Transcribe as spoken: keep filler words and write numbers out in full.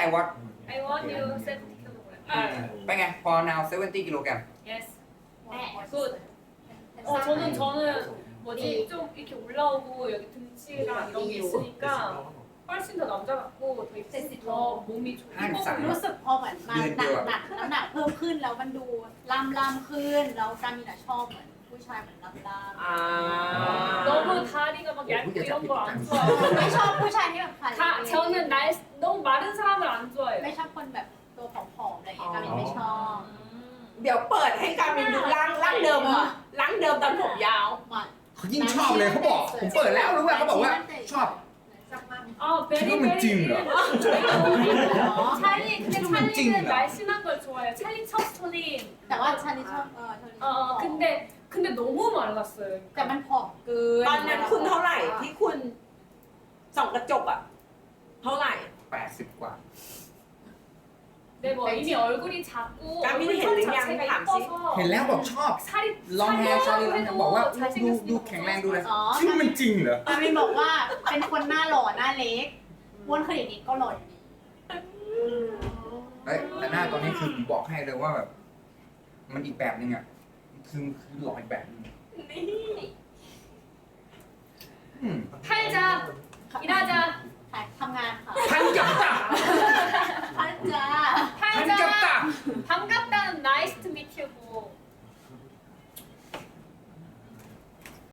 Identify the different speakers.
Speaker 1: I want
Speaker 2: I want you seventy kilogram.
Speaker 1: เป็นไงพอ now seventy กิโลกรัม
Speaker 2: Yes. Good. 어 저는 저는 뭐지 좀 이렇게 올라오고 여기 등치랑 이런 게 있으니까 훨씬 더 남자 같고 더 입- 더 몸이 좀
Speaker 1: ห้าสิบสาม
Speaker 3: รู้สึกพอเหมือนมาหนักหนักน้ำหนักเพิ่มขึ้นแล้วมันดูล่ำล่ำขึ้นแล้วการมีแต่ชอบเหมือนผู้ชายเหมือนล่ำล่ำ
Speaker 4: อ่า
Speaker 2: 너무 다리가 막 얇고 이런 걸 안 좋아해요.
Speaker 3: ไม่ชอบผู้ชายที่แบบขา
Speaker 2: 다 저는 날 너무 마른 사람을 안
Speaker 3: ไม่
Speaker 2: 좋아해요.
Speaker 3: ชอบคนแบบตัวผอมๆอะไรอย่างเงี้ยการมีไม่ชอบ
Speaker 4: เดี๋ยวเปิดให้การมินดูร่างร่างเดิมอ่ะร่างเดิมตอนผมยาว
Speaker 3: หมัน
Speaker 1: เขายิ่งชอบเลยเขาบอกผมเปิดแล้วรู้ว่าเขาบอกว่าชอบ
Speaker 2: 아 베리
Speaker 1: 지금은
Speaker 2: 베리.
Speaker 1: 찡이다.
Speaker 2: 찰리 근데
Speaker 1: 지금은
Speaker 2: 찰리는
Speaker 1: 찡이다.
Speaker 2: 날씬한 걸 좋아해요. 찰리 첫 스토리.
Speaker 3: แต่ว่าชาลิชอบเออชาลิช
Speaker 2: 어
Speaker 3: อบ
Speaker 2: 어, 근데 근데 너무 말랐어요.
Speaker 3: แต่มันผอมเกิน
Speaker 4: ตอนนั้นคุณเท่าไหร่ที่คุณส่องกระจกอ่ะ เท่าไหร่
Speaker 1: แปดสิบกว่า
Speaker 2: 네, 뭐 이미 얼굴이 작고
Speaker 4: 까미는
Speaker 2: 얼굴 선
Speaker 4: 했느냐,
Speaker 2: 자체가
Speaker 4: 감시?
Speaker 2: 이뻐서
Speaker 1: เห็นแล้วบอกชอบ
Speaker 2: 살이
Speaker 1: ลองแฮร์ชาลีลองแฮร์บอกว่า
Speaker 2: 잘
Speaker 1: ดู
Speaker 2: 생겼으니까
Speaker 1: ดูแข็งแรงดูเลย
Speaker 3: อ๋อ
Speaker 1: ชื่อมันจริงเหรอ
Speaker 3: การมินบอกว่าเป็นคนหน้าหล่อหน้าเล็กอ้วนขนาดนี้ก็หล่ออยู่ดี
Speaker 1: เฮ้ยแต่หน้าตอนนี้คือผมบอกให้เลยว่าแบบ มันอีกแบบนึงอ่ะคือคือหล่ออีกแบบนึง
Speaker 4: นี่
Speaker 1: อืม
Speaker 2: 팔자 일하자
Speaker 3: ค่ะทำงานค่ะ
Speaker 1: พันกับตา